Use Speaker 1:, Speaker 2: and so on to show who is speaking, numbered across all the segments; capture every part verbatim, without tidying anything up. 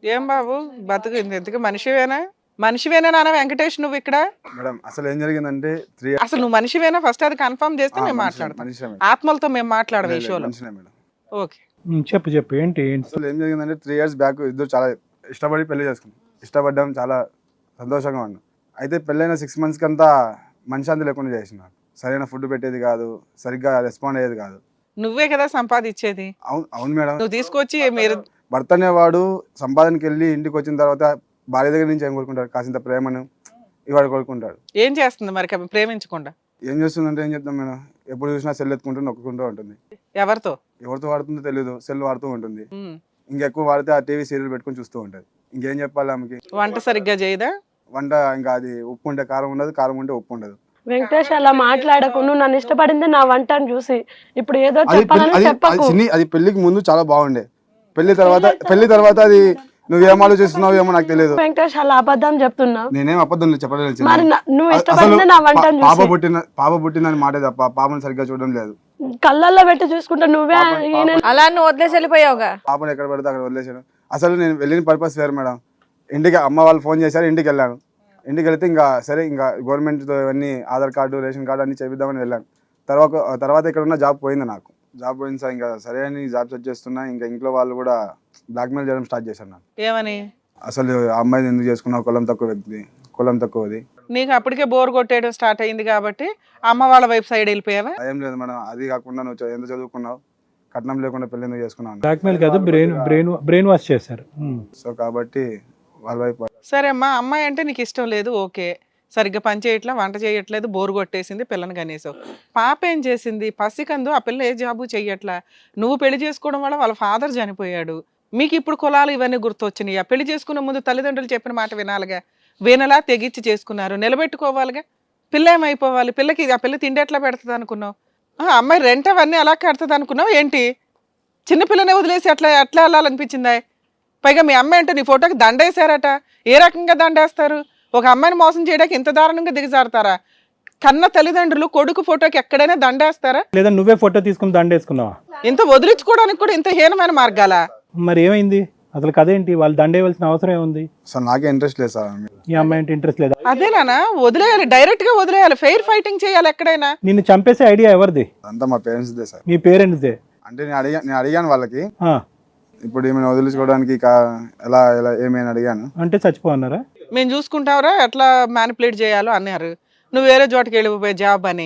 Speaker 1: ఏం బాబు బతుకు ఎందుకు మనిషివేనా మనిషివేనా నాన్న వెంకటేష్ నువ్వు ఇక్కడ
Speaker 2: మేడం అసలు ఏం జరిగిందంటే త్రీ
Speaker 1: అసలు నువ్వు మనిషివేనా ఫస్ట్ అది కన్ఫర్మ్ చేస్తే మేము మాట్లాడతాం ఆత్మలతో మేము మాట్లాడము ఈ షోలో
Speaker 2: మేడం.
Speaker 1: ఓకే
Speaker 3: చెప్పు చెప్పు ఏంటి ఏంటి
Speaker 2: అసలు ఏం జరిగిందంటే త్రీ ఇయర్స్ బ్యాక్ ఇద్దరు చాలా ఇష్టపడి పెళ్లి చేసుకున్నాం. ఇష్టపడ్డాం, చాలా సంతోషంగా ఉన్నాం. అయితే పెళ్ళైన సిక్స్ మంత్స్కి అంతా మనశ్శాంతి లేకుండా చేసినారు. సరైన ఫుడ్ పెట్టేది కాదు, సరిగ్గా రెస్పాండ్ అయ్యేది కాదు.
Speaker 1: నువ్వే కదా సంపాదించేది.
Speaker 2: అవును అవును మేడం.
Speaker 1: నువ్వు తీసుకొచ్చి మీరు
Speaker 2: భర్త అనేవాడు సంపాదనకి వెళ్ళి ఇంటికి వచ్చిన తర్వాత భార్య దగ్గర నుంచి ఏం కోరుకుంటాడు? కాసింత ప్రేమను ఇవాడు కోరుకుంటాడు.
Speaker 1: ఏం చేస్తుంది మరి ప్రేమించకుండా?
Speaker 2: ఏం చేస్తుందంటే ఏం చెప్తాం మేడం, ఎప్పుడు చూసినా సెల్ ఎత్తుకుంటూ నొక్కుంటూ ఉంటుంది.
Speaker 1: ఎవరితో
Speaker 2: ఎవరితో వాడుతుందో తెలియదు, సెల్ వాడుతూ ఉంటుంది. ఇంకెక్కువ వాడితే ఆ టీవీ సీరియల్ పెట్టుకుని చూస్తూ ఉంటుంది. ఇంకేం చెప్పాలి ఆమెకి?
Speaker 1: వంట సరిగ్గా చేయదా?
Speaker 2: వంట ఇంకా అది ఉప్పు ఉంటే కారం ఉండదు, కారం ఉంటే ఉప్పు ఉండదు.
Speaker 4: వెంకటేష్ అలా మాట్లాడకు, నువ్వు నన్ను ఇష్టపడింది నా వంటను చూసి ఇప్పుడు ఏదో చెప్పాలని చెప్పకు.
Speaker 2: అది పెళ్లికి ముందు చాలా బాగుండే, పెళ్లి తర్వాత పెళ్లి తర్వాత అది నువ్వేం ఆలోచిస్తున్నావు ఏమో నాకు తెలియదు.
Speaker 4: వెంకటేష్ అలా అబద్ధం చెప్తున్నావు.
Speaker 2: నేనేం అబద్ధం చెప్పలేదు.
Speaker 4: మరి నువ్వు ఇష్టపడింది నా వంటను చూసి.
Speaker 2: పాప పుట్టిన పాప పుట్టిందని మాటే తప్ప పాపను సరిగ్గా చూడడం లేదు.
Speaker 4: కళ్ళల్లో పెట్టి చూసుకుంటా నువ్వే
Speaker 5: అలా నువ్వు వదిలేసి వెళ్ళిపోయావుగా.
Speaker 2: పాపను ఎక్కడ పడితే అక్కడ వదిలేసాను. అసలు నేను వెళ్ళిన పర్పస్ వేరు మేడం. ఇంటికి అమ్మ వాళ్ళు ఫోన్ చేశారు, ఇంటికి వెళ్ళాను. ఇంటికి వెళ్తే ఇంకా సరే ఇంకా గవర్నమెంట్తో ఇవన్నీ ఆధార్ కార్డు రేషన్ కార్డు అన్ని చేపిద్దామని వెళ్ళాను. తర్వాత తర్వాత ఇక్కడ ఉన్న జాబ్ పోయింది నాకు. జాబ్ పోయింది సార్, ఇంకా సరే అని జాబ్ సెర్చ్ చేస్తున్నా. ఇంకా ఇంట్లో వాళ్ళు కూడా బ్లాక్మెయిల్ చేయడం స్టార్ట్ చేశారు నాకు.
Speaker 1: ఏమని?
Speaker 2: అసలు ఆ అమ్మాయిని ఎందుకు చేసుకున్నావు, కులం తక్కువ వ్యక్తి, కులం తక్కువది.
Speaker 1: నీకు అప్పటికే బోర్ కొట్టేయడం స్టార్ట్ అయింది కాబట్టి అమ్మ వాళ్ళ వైపు సైడ్ వెళ్ళిపోయావా?
Speaker 2: ఏం లేదు మేడం, అది కాకుండా నువ్వు ఎంత చదువుకున్నావు, కట్నం లేకుండా పెళ్లి ఎందుకు చేసుకున్నావు?
Speaker 3: బ్లాక్మెయిల్ కాదు, బ్రెయిన్ బ్రెయిన్ బ్రెయిన్ వాష్ చేశారు.
Speaker 2: సో కాబట్టి వాళ్ళ వైపు.
Speaker 1: సరే అమ్మా, అమ్మాయి అంటే నీకు ఇష్టం లేదు, ఓకే, సరిగ్గా పని చేయట్లా, వంట చేయట్లేదు, బోరు కొట్టేసింది, పిల్లని కనేసావు. పాప ఏం చేసింది? పసికందు, ఆ పిల్ల ఏ జాబు చెయ్యట్లా. నువ్వు పెళ్లి చేసుకోవడం వల్ల వాళ్ళ ఫాదర్ చనిపోయాడు. మీకు ఇప్పుడు కులాలు ఇవన్నీ గుర్తొచ్చినాయి. ఆ పెళ్లి చేసుకునే ముందు తల్లిదండ్రులు చెప్పిన మాట వినాలిగా, వినలా తెగిచ్చి చేసుకున్నారు, నిలబెట్టుకోవాలిగా. పిల్ల ఏమైపోవాలి? పిల్లకి ఆ పిల్ల తిండి ఎట్లా పెడుతుంది అనుకున్నావు? అమ్మాయి రెంట్ అవన్నీ అలా కడుతుంది అనుకున్నావు ఏంటి? చిన్నపిల్లనే వదిలేసి అట్లా ఎట్లా వెళ్ళాలనిపించిందా? పైగా మీ అమ్మాయి అంటే నీ ఫోటోకి దండేశారట. ఏ రకంగా దండేస్తారు? ఒక అమ్మాయిని మోసం చేయడానికి ఇంత దారుణంగా దిగజారుతారా? కన్న తల్లిదండ్రులు కొడుకు ఫోటోకి ఎక్కడైనా దండేస్తారా?
Speaker 3: లేదా నువ్వే ఫోటో తీసుకుని దండేసుకున్నావా?
Speaker 1: ఇంత వదిలించుకోవడానికి కూడా ఇంత హీనమైన మార్గాలా?
Speaker 3: మరి ఏమైంది అసలు? కదేంటి? వాళ్ళు దండేయవలసిన అవసరం ఏముంది?
Speaker 2: సార్ నాకే ఇంట్రెస్ట్ లేదు సార్.
Speaker 3: ఈ అమ్మాయి అంటే ఇంట్రెస్ట్ లేదా?
Speaker 1: అదేనా, వదిలేయాలి, డైరెక్ట్ గా వదిలేయాలి, ఫెయిర్ ఫైటింగ్ చేయాలి ఎక్కడైనా.
Speaker 3: నిన్ను చంపేసే ఐడియా ఎవరిది?
Speaker 2: అంతా మా పేరెంట్స్ దే సార్.
Speaker 3: మీ పేరెంట్స్దే?
Speaker 2: అంటే నేను అడిగా నేను అడిగాను వాళ్ళకి, ఇప్పుడు ఏమైనా వదిలించుకోవడానికి ఎలా ఎలా ఏమైనా అడిగాను.
Speaker 3: అంటే చచ్చిపోన్నారా?
Speaker 1: మేము చూసుకుంటావరా ఎట్లా మ్యానిపులేట్ చేయాలో అన్నారు. నువ్వు వేరే చోటకి వెళ్ళిపోయే జాబ్ అని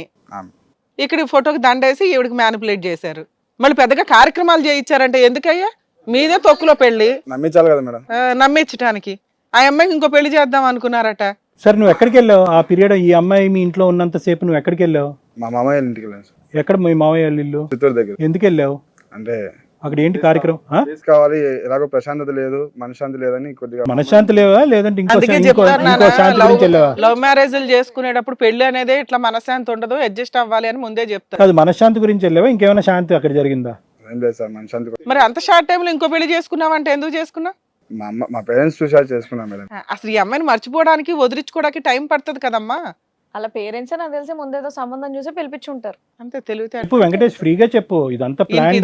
Speaker 1: ఇక్కడ ఫోటోకి దండేసి ఈవిడికి మ్యానిపులేట్ చేశారు. మళ్ళీ పెద్దగా కార్యక్రమాలు చేయించారంటే ఎందుకయ్యా? మీదే తొక్కులో పెళ్లి
Speaker 2: నమ్మించాలి కదా మేడం.
Speaker 1: నమ్మించడానికి ఆ అమ్మాయికి ఇంకో పెళ్లి చేద్దాం అనుకున్నారట.
Speaker 3: సరే నువ్వు ఎక్కడికి వెళ్ళావు ఆ పీరియడ్? ఈ అమ్మాయి మీ ఇంట్లో ఉన్నంత సేపు నువ్వు ఎక్కడికి వెళ్ళావు?
Speaker 2: మా మామయ్య ఇంటికి వెళ్ళాను.
Speaker 3: ఎక్కడ మీ మామయ్య ఇల్లు?
Speaker 2: చిత్తూరు దగ్గర.
Speaker 3: ఎందుకు వెళ్ళావు?
Speaker 2: అంటే
Speaker 3: అక్కడ ఏంటి కార్యక్రమం?
Speaker 2: కావాలి, ఎలాగో ప్రశాంతత లేదు, మనశ్శాంతి లేదని కొద్దిగా.
Speaker 3: మనశ్శాంతి లేవా లేదంటే ఇంకో
Speaker 1: అందుకే
Speaker 3: ఇంకో
Speaker 1: చెప్తారు
Speaker 3: ఇంకో
Speaker 1: నాన్న,
Speaker 3: శాంతి
Speaker 1: లవ్
Speaker 3: గురించి వెళ్ళావా?
Speaker 1: లవ్ మ్యారేజ్లు చేసుకునేటప్పుడు పెళ్లి అనేది ఇట్లా మనశ్శాంతి ఉండదు, అడ్జస్ట్ అవ్వాలి అని ముందే చెప్తారు.
Speaker 3: కాదు, మనశ్శాంతి గురించి వెళ్ళావా? ఇంకేమైనా శాంతి అక్కడ జరిగిందా?
Speaker 2: ఏం లేదు సార్, మనశ్శాంతి.
Speaker 1: మరి అంత షార్ట్ టైంలో ఇంకో పెళ్లి చేసుకున్నావంటే ఎందుకు చేసుకున్నావు?
Speaker 2: మా అమ్మ మా పేరెంట్స్ చూసారు చేసుకున్నాం మేడం.
Speaker 1: అసలు ఈ అమ్మాయిని మర్చిపోవడానికి వదిలించుకోవడానికి టైం పడుతుంది కదమ్మా.
Speaker 5: అలా పేరెంట్స్ నాకు తెలిసి ముందేదో సంబంధం చూసి పిలిపించుంటారు.
Speaker 1: అంతే తెలివితే.
Speaker 3: చెప్పు వెంకటేష్, ఫ్రీగా చెప్పు. ఇదంతా ప్లాన్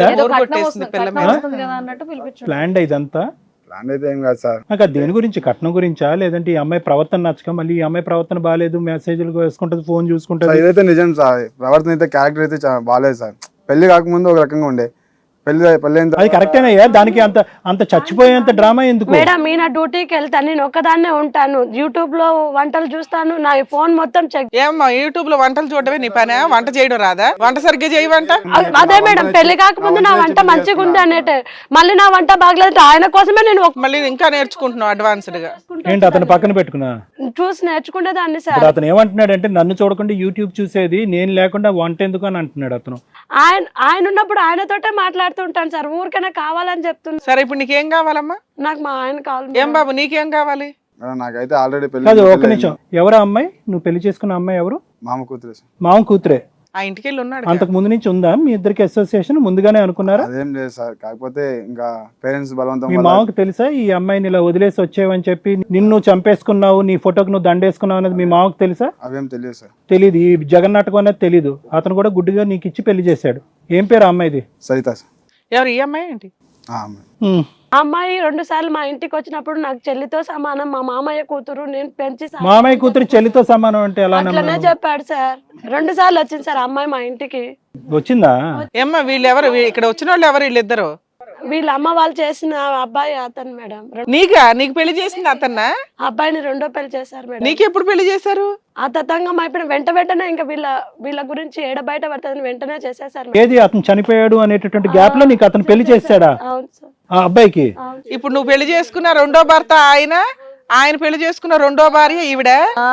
Speaker 5: అన్నట్టు పిలిపించు.
Speaker 3: ప్లాన్ ఇదంతా
Speaker 2: ప్లాన్ అయితే ఏం కాదు సార్.
Speaker 3: నాకు దేని గురించి? కట్నం గురించా లేదంటే ఈ అమ్మాయి ప్రవర్తన నచ్చక మళ్ళీ ఈ అమ్మాయి ప్రవర్తన బాగాలేదు, మెసేజ్లు వేసుకుంటది, ఫోన్ చూసుకుంటది?
Speaker 2: ఇదైతే నిజం సార్. ప్రవర్తన అయితే క్యారెక్టర్ అయితే బాగాలేదు సార్. పెళ్లి కాకముందు ఒక రకంగా ఉండే, పెళ్లి పెళ్లి
Speaker 3: అది కరెక్టేనయ్యా. దానికి అంత అంత చచ్చిపోయేంత డ్రామా ఎందుకు?
Speaker 4: మేడం మీ నా డ్యూటీకి వెళ్తాను, నేను ఒక్కదాన్నే ఉంటాను, యూట్యూబ్ లో వంటలు చూస్తాను, నా ఫోన్ మొత్తం చెక్.
Speaker 1: ఏమ్మా యూట్యూబ్ లో వంటలు చూడటమే నీ పనే? వంట చేయడం రాదా? వంట సరిగ్గా చేయవంట?
Speaker 4: అదే మేడం, పెళ్లి కాకముందు నా వంట మంచిగా ఉంది అనేటే, మళ్ళీ నా వంట బాగలేదు ఆయన కోసమే నేను
Speaker 1: మళ్ళీ ఇంకా నేర్చుకుంటున్నావు అడ్వాన్స్డ్ గా.
Speaker 3: ఏంటి అతను పక్కన పెట్టుకున్నా
Speaker 4: చూసి నేర్చుకుంటే దాన్ని సార్.
Speaker 3: అతను ఏమంటున్నాడు అంటే, నన్ను చూడకుండా యూట్యూబ్ చూసేది నేను లేకుండా వంట ఎందుకు అని అంటున్నాడు అతను.
Speaker 4: ఆయన ఆయన ఉన్నప్పుడు ఆయనతోటే మాట్లాడుతుంటాను సార్, ఊరికైనా కావాలని చెప్తున్నా.
Speaker 1: సరే ఇప్పుడు నీకేం కావాలమ్మా?
Speaker 4: నాకు మా ఆయన కావాలి.
Speaker 1: ఏం బాబు నీకేం కావాలి?
Speaker 2: నాకైతే ఆల్రెడీ పెళ్లి.
Speaker 3: కాదు, ఒక్క నిమిషం. ఎవరా అమ్మాయి? నువ్వు పెళ్లి చేసుకున్న అమ్మాయి ఎవరు?
Speaker 2: మామ కూతురు.
Speaker 3: మామ కూతురే?
Speaker 1: ఆ ఇంటికి వెళ్ళి ఉన్నాడు.
Speaker 3: అంతకు ముందు నుంచి ఉందా మీ ఇద్దరికి అసోసియేషన్? ముందుగానే అనుకున్నారా?
Speaker 2: అదేం లేదు సార్, కాకపోతే ఇంకా పేరెంట్స్ బలవంతం.
Speaker 3: మీ మామకు తెలుసా ఈ అమ్మాయిని ఇలా వదిలేసి వచ్చేవని చెప్పి, నిన్ను చంపేసుకున్నావు, నీ ఫోటోకి నువ్వు దండేసుకున్నావు అనేది మీ మామకు తెలుసా?
Speaker 2: అవేం తెలియదు సార్.
Speaker 3: తెలియదు. ఈ జగన్నాటకం అనేది తెలీదు. అతను కూడా గుడ్డిగా నీకు ఇచ్చి పెళ్లి చేశాడు. ఏం పేరు అమ్మాయిది?
Speaker 2: సరిత సార్.
Speaker 1: ఎవరు ఈ అమ్మాయి ఏంటి?
Speaker 2: ఆ అమ్మాయి.
Speaker 4: ఆ అమ్మాయి రెండు సార్లు మా ఇంటికి వచ్చినప్పుడు నాకు చెల్లితో సమానం, మా మామయ్య కూతురు, నేను పెంచి సాకి
Speaker 3: మామయ్య కూతురు చెల్లితో సమానం అంటే ఎలా
Speaker 4: అట్లనే
Speaker 3: నమ్మావు?
Speaker 4: చెప్పాడు సార్. రెండు సార్లు వచ్చింది సార్ ఆ అమ్మాయి మా ఇంటికి.
Speaker 3: వచ్చిందా?
Speaker 1: ఏమ్మా వీళ్ళు ఎవరు వీ- ఇక్కడ వచ్చిన వాళ్ళు ఎవరు వీళ్ళిద్దరు?
Speaker 4: వీళ్ళ అమ్మ వాళ్ళు చేసిన అబ్బాయి అతను మేడం. రెం-
Speaker 1: నీకా నీకు పెళ్లి చేసింది అతన్నా?
Speaker 4: ఆ అబ్బాయిని రెండో పెళ్లి చేశారు మేడం.
Speaker 1: నీకు ఎప్పుడు పెళ్లి చేశారు?
Speaker 4: ఆ తతంగం అయిపోయిన వెంట వెంటనే ఇంకా వీళ్ళ వీళ్ళ గురించి ఏడ బయట పడుతుందని వెంటనే చేసేసారు మేడం.
Speaker 3: ఏది అతను చనిపోయాడు అనేటటువంటి గ్యాప్ లో నీకు అతను పెళ్లి చేస్తాడా
Speaker 4: అవును సార్.
Speaker 3: ఆ అబ్బాయికి?
Speaker 4: అవును.
Speaker 1: ఇప్పుడు నువ్వు పెళ్లి చేసుకున్న రెండో భర్త ఆయన, ఆయన పెళ్లి చేసుకున్న రెండో భార్య ఈవిడ.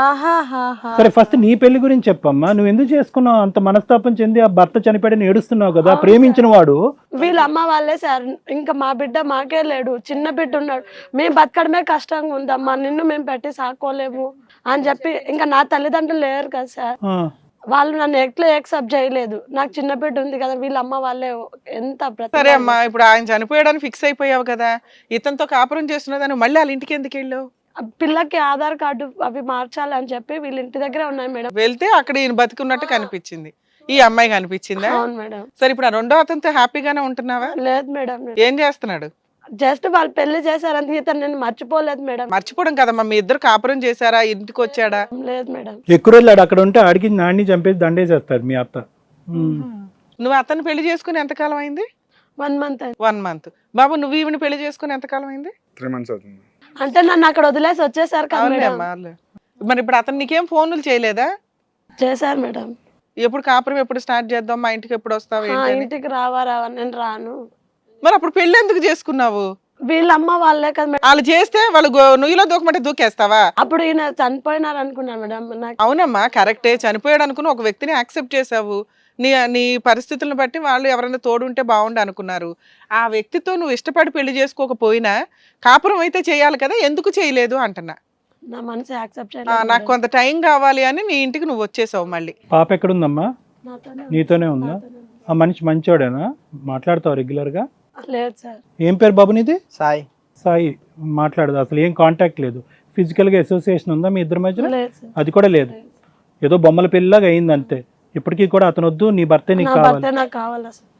Speaker 3: సరే ఫస్ట్ నీ పెళ్లి గురించి చెప్పమ్మా. నువ్వు ఎందుకు చేసుకున్నావు? అంత మనస్తాపం చెంది ఆ భర్త చనిపోయాడని ఏడుస్తున్నావు కదా, ప్రేమించిన వాడు.
Speaker 4: వీళ్ళ అమ్మ వాళ్ళే సార్. ఇంకా మా బిడ్డ మాకే లేడు, చిన్న బిడ్డ ఉన్నాడు, మేము బతకడమే కష్టంగా ఉందమ్మా, నిన్ను మేము పెట్టి సాకోలేము అని చెప్పి ఇంకా నా తల్లిదండ్రులు లేరు కదా సార్,
Speaker 3: ఆ,
Speaker 4: వాళ్ళు నన్ను ఎట్లా యాక్సెప్ట్ చేయలేదు. నాకు చిన్న బిడ్డ ఉంది కదా, వీళ్ళ అమ్మ వాళ్ళే ఎంత బ్రతిమాలారు.
Speaker 1: సరే అమ్మా, ఇప్పుడు ఆయన చనిపోయాడని ఫిక్స్ అయిపోయావు కదా, ఇతనితో కాపురం చేస్తున్నదాన్ని మళ్ళీ వాళ్ళ ఇంటికి ఎందుకు వెళ్ళావు?
Speaker 4: ఆ పిల్లకి ఆధార్ కార్డు అవి మార్చాలి అని చెప్పి వీళ్ళ ఇంటి దగ్గర ఉన్నాయి మేడం.
Speaker 1: వెళ్తే అక్కడ ఈయన బతికున్నట్టు కనిపించింది, ఈ అమ్మాయి కనిపించిందా?
Speaker 4: అవును మేడం.
Speaker 1: సరే ఇప్పుడు ఆ రెండో అతనితో హ్యాపీగానే ఉంటున్నావా?
Speaker 4: లేదు మేడం,
Speaker 1: ఏం చేస్తున్నాడు?
Speaker 4: జస్ట్ వాళ్ళు పెళ్లి చేశారని ఇతను నేను మర్చిపోలేదు మేడం.
Speaker 1: మర్చిపోవడం కదమ్మా, మీ ఇద్దరు కాపురం చేశారా, ఇంటికి వచ్చాడా?
Speaker 4: లేదు మేడం.
Speaker 3: ఎక్కువ రోజులు ఆడు అక్కడ ఉంటే ఆడికి నాన్ని చంపేసి దండేసేస్తారు మీ అత్త. ఉమ్.
Speaker 1: నువ్వు అతను పెళ్లి చేసుకుని ఎంతకాలం అయింది?
Speaker 4: వన్ మంత్ అయింది.
Speaker 1: One month. బాబు నువ్వు ఈవిని పెళ్లి చేసుకుని ఎంతకాలం అయింది?
Speaker 2: త్రీ మంత్స్ అవుతుంది.
Speaker 4: అంటే నన్ను అక్కడ వదిలేసి వచ్చేసారు కదా
Speaker 1: అవునులే
Speaker 4: మేడం.
Speaker 1: అమ్మా, అవునులే. మరి ఇప్పుడు అతను నీకేం ఫోన్లు చేయలేదా?
Speaker 4: చేశారు మేడం.
Speaker 1: ఎప్పుడు కాపురం ఎప్పుడు స్టార్ట్ చేద్దాం, మా ఇంటికి ఎప్పుడు వస్తావు
Speaker 4: ఆ,
Speaker 1: ఏంటి అని?
Speaker 4: ఇంటికి రావా రావా, నేను రాను.
Speaker 1: మరి అప్పుడు పెళ్లి ఎందుకు చేసుకున్నావు?
Speaker 4: వీళ్ళ అమ్మ వాళ్ళే కదా మేడం.
Speaker 1: వాళ్ళు చేస్తే వాళ్ళు గో- నుయ్యిలో దూకమంటే దూకేస్తావా?
Speaker 4: అప్పుడు ఈయన చనిపోయినారు అనుకున్నాను మేడం. నాకు
Speaker 1: అవునమ్మా కరెక్టే, చనిపోయాడు అనుకుని ఒక వ్యక్తిని యాక్సెప్ట్ చేసావు, నీ నీ పరిస్థితులను బట్టి వాళ్ళు ఎవరైనా తోడుంటే బాగుండు అనుకున్నారు. ఆ వ్యక్తితో నువ్వు ఇష్టపడి పెళ్లి చేసుకోకపోయినా కాపురం అయితే చేయాలి కదా, ఎందుకు చేయలేదు అంటున్నా.
Speaker 4: నా మనసు యాక్సెప్ట్
Speaker 1: ఆ,
Speaker 4: చేయలేదు
Speaker 1: నాకు కొంత టైం కావాలి అని నీ ఇంటికి నువ్వు వచ్చేసావు మళ్ళీ.
Speaker 3: పాప ఎక్కడుందమ్మా?
Speaker 4: నాతోనే
Speaker 3: నీతోనే ఉందా? ఆ మనిషి మంచోడేనా? మాట్లాడతావు రెగ్యులర్ గా?
Speaker 4: లేదు సార్.
Speaker 3: ఏం పేరు బాబు నీది?
Speaker 6: సాయి.
Speaker 3: సాయి. మాట్లాడదు అసలు, ఏం కాంటాక్ట్ లేదు, ఫిజికల్ గా అసోసియేషన్ ఉందా మీ ఇద్దరి మధ్యలో?
Speaker 4: లేదు సార్.
Speaker 3: అది కూడా లేదు, ఏదో బొమ్మల పెళ్ళిలాగా అయింది అంతే. ఇప్పటికీ కూడా అతను వద్దు, నీ భర్తే నీకు
Speaker 4: నా
Speaker 3: కావాలి.
Speaker 4: భర్తే నాకు కావాలి సార్.